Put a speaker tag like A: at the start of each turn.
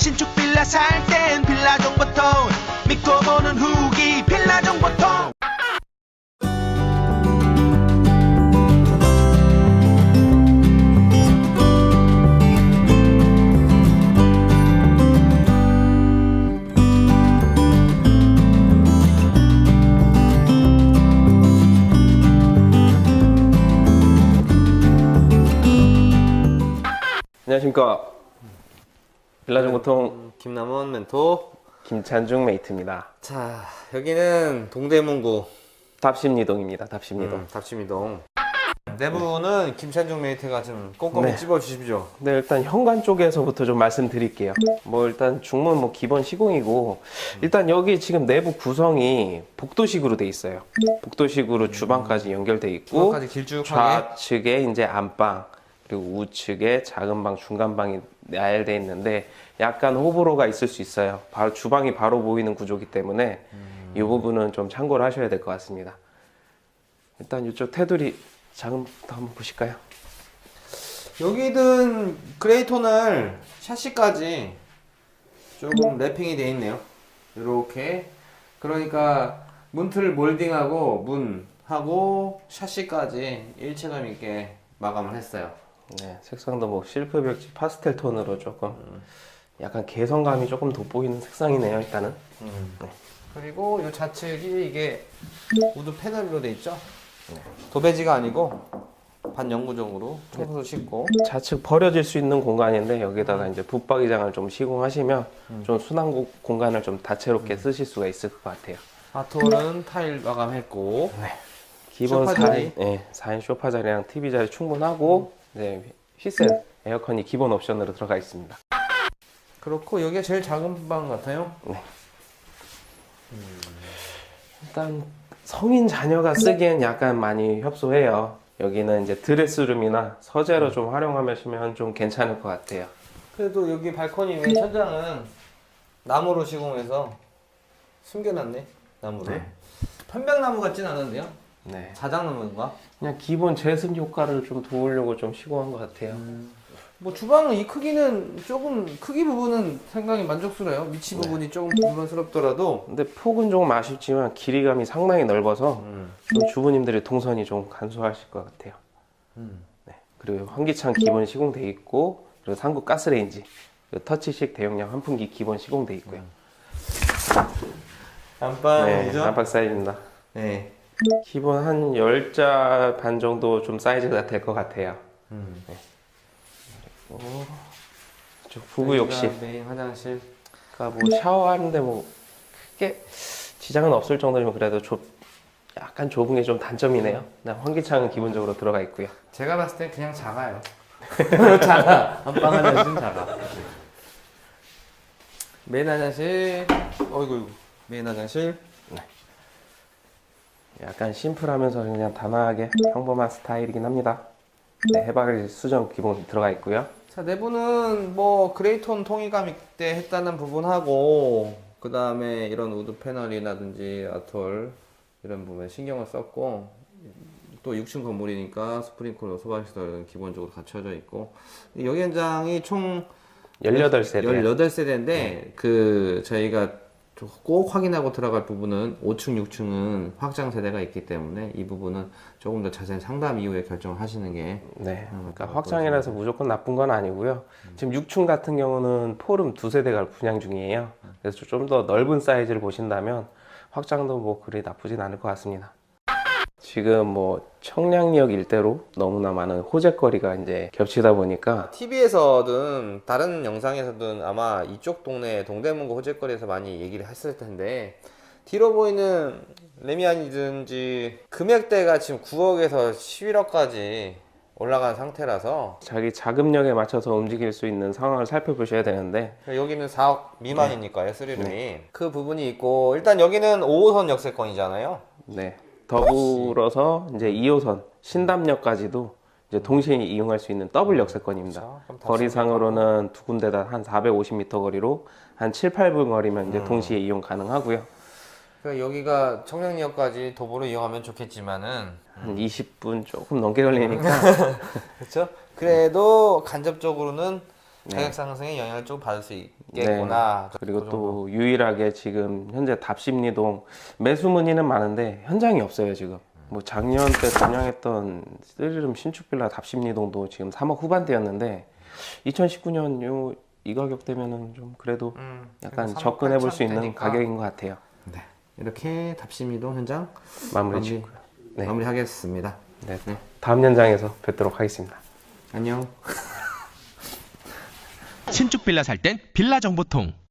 A: 신축 빌라 살 땐 빌라 정보통 믿고 보는 후기 빌라 정보통.
B: 안녕하십니까. 빌라정보통
C: 김남원 멘토.
B: 김찬중 메이트입니다.
C: 자, 여기는 동대문구
B: 답심리동입니다. 답심리동.
C: 답심이동. 내부는 김찬중 메이트가 좀 꼼꼼히
B: 네.
C: 찝어주십시오.
B: 네, 일단 현관 쪽에서부터 좀 말씀드릴게요. 뭐 일단 중문 뭐 기본 시공이고, 일단 여기 지금 내부 구성이 복도식으로 돼 있어요. 복도식으로 주방까지 연결돼 있고,
C: 주방까지 길쭉하게.
B: 좌측에 이제 안방, 그리고 우측에 작은 방, 중간 방이 나열돼 있는데 약간 호불호가 있을 수 있어요. 바로 주방이 바로 보이는 구조기 때문에 이 부분은 좀 참고를 하셔야 될 것 같습니다. 일단 이쪽 테두리 작은부터 한번 보실까요?
C: 여기는 그레이톤을 샤시까지 조금 랩핑이 되어 있네요. 이렇게. 그러니까 문틀 몰딩하고 문하고 샤시까지 일체감 있게 마감을 했어요.
B: 네, 색상도 뭐 실프 벽지 파스텔 톤으로 조금 약간 개성감이 조금 돋보이는 색상이네요. 일단은. 네.
C: 그리고 이 좌측이 이게 우드 패널로 돼 있죠. 도배지가 아니고 반영구적으로 청소도 싣고.
B: 좌측 버려질 수 있는 공간인데 여기다가 이제 붙박이장을 좀 시공하시면 좀 순환 공간을 좀 다채롭게 쓰실 수가 있을 것 같아요.
C: 아톨은 타일 마감했고.
B: 기본
C: 소파
B: 4인,
C: 자리?
B: 네, 4인 소파 자리랑 TV 자리 충분하고 네, 휘센 에어컨이 기본 옵션으로 들어가 있습니다.
C: 그렇고 여기가 제일 작은 방 같아요.
B: 네. 일단 성인 자녀가 쓰기엔 약간 많이 협소해요. 여기는 이제 드레스룸이나 서재로 좀 활용하시면 좀 괜찮을 것 같아요.
C: 그래도 여기 발코니 위에 천장은 나무로 시공해서 숨겨놨네. 나무로.
B: 네.
C: 편백나무 같진 않은데요?
B: 네.
C: 자작나무인가?
B: 그냥 기본 제습 효과를 좀 도우려고 좀 시공한 것 같아요.
C: 뭐 주방은 이 크기는 조금 크기 부분은 상당히 만족스러워요. 위치 부분이 조금 불만스럽더라도.
B: 근데 폭은 조금 아쉽지만 길이감이 상당히 넓어서 좀 주부님들의 동선이 좀 간소하실 것 같아요. 네. 그리고 환기창 기본 시공돼 있고, 그리고 상구 가스레인지, 그리고 터치식 대용량 환풍기 기본 시공돼 있고요. 네,
C: 안방이죠?
B: 안방 사이즈입니다.
C: 네.
B: 기본 한 10자 반 정도 좀 사이즈가 될 것 같아요. 네. 그리고 이쪽 부부 욕실.
C: 메인 화장실.
B: 그러니까 뭐 샤워하는데 뭐 크게 지장은 없을 정도면 그래도 약간 좁은 게 좀 단점이네요. 환기창은 기본적으로 들어가 있고요.
C: 제가 봤을 때 그냥 작아요. 작아. 안방 화장실은 작아. 메인 화장실. 어이구. 메인 화장실.
B: 약간 심플하면서 그냥 단아하게 평범한 스타일이긴 합니다. 네, 해바라기 수전 기본 들어가 있고요.
C: 자, 내부는 뭐 그레이톤 통일감 있게 했다는 부분하고, 그 다음에 이런 우드 패널이라든지 아톨 이런 부분에 신경을 썼고, 또 6층 건물이니까 스프링클러 소방시설 기본적으로 갖춰져 있고, 여기 현장이 총
B: 18세대.
C: 18세대인데 그 저희가 꼭 확인하고 들어갈 부분은 5층, 6층은 확장 세대가 있기 때문에 이 부분은 조금 더 자세한 상담 이후에 결정을 하시는 게.
B: 네, 그러니까 확장이라서 무조건 나쁜 건 아니고요. 지금 6층 같은 경우는 폴음 2세대가 분양 중이에요. 그래서 좀 더 넓은 사이즈를 보신다면 확장도 뭐 그리 나쁘진 않을 것 같습니다. 지금 뭐 청량리역 일대로 너무나 많은 호재거리가 이제 겹치다 보니까
C: TV에서든 다른 영상에서든 아마 이쪽 동네 동대문구 호재거리에서 많이 얘기를 했을 텐데, 뒤로 보이는 레미안이든지 금액대가 지금 9억에서 11억까지 올라간 상태라서
B: 자기 자금력에 맞춰서 움직일 수 있는 상황을 살펴보셔야 되는데,
C: 여기는 4억 미만이니까요. 3룸이. 그 부분이 있고, 일단 여기는 5호선 역세권이잖아요.
B: 네, 더불어서 이제 2호선 신담역까지도 이제 동시에 이용할 수 있는 더블 역세권입니다.
C: 그럼 다
B: 거리상으로는 두 군데다 한 450m 거리로 한 7, 8분 거리면 이제 동시에 이용 가능하고요.
C: 그러니까 여기가 청량리역까지 도보로 이용하면 좋겠지만은
B: 한 20분 조금 넘게 걸리니까
C: 그렇죠? 그래도 간접적으로는 가격 상승에 영향을 좀 받을 수 있겠구나.
B: 그리고 또 유일하게 지금 현재 답심리동 매수 문의는 많은데 현장이 없어요 지금. 뭐 작년 때 분양했던 쓰리룸 신축 빌라 답심리동도 지금 3억 후반대였는데 2019년 이 가격대면은 좀 그래도 약간
C: 3억
B: 접근해 볼 수
C: 8천
B: 있는
C: 되니까.
B: 가격인 것 같아요.
C: 네. 이렇게 답심이동 현장
B: 마무리 짓고요. 네.
C: 마무리하겠습니다.
B: 네. 다음 현장에서 뵙도록 하겠습니다.
C: 안녕.
A: 신축 빌라 살 땐 빌라 정보통.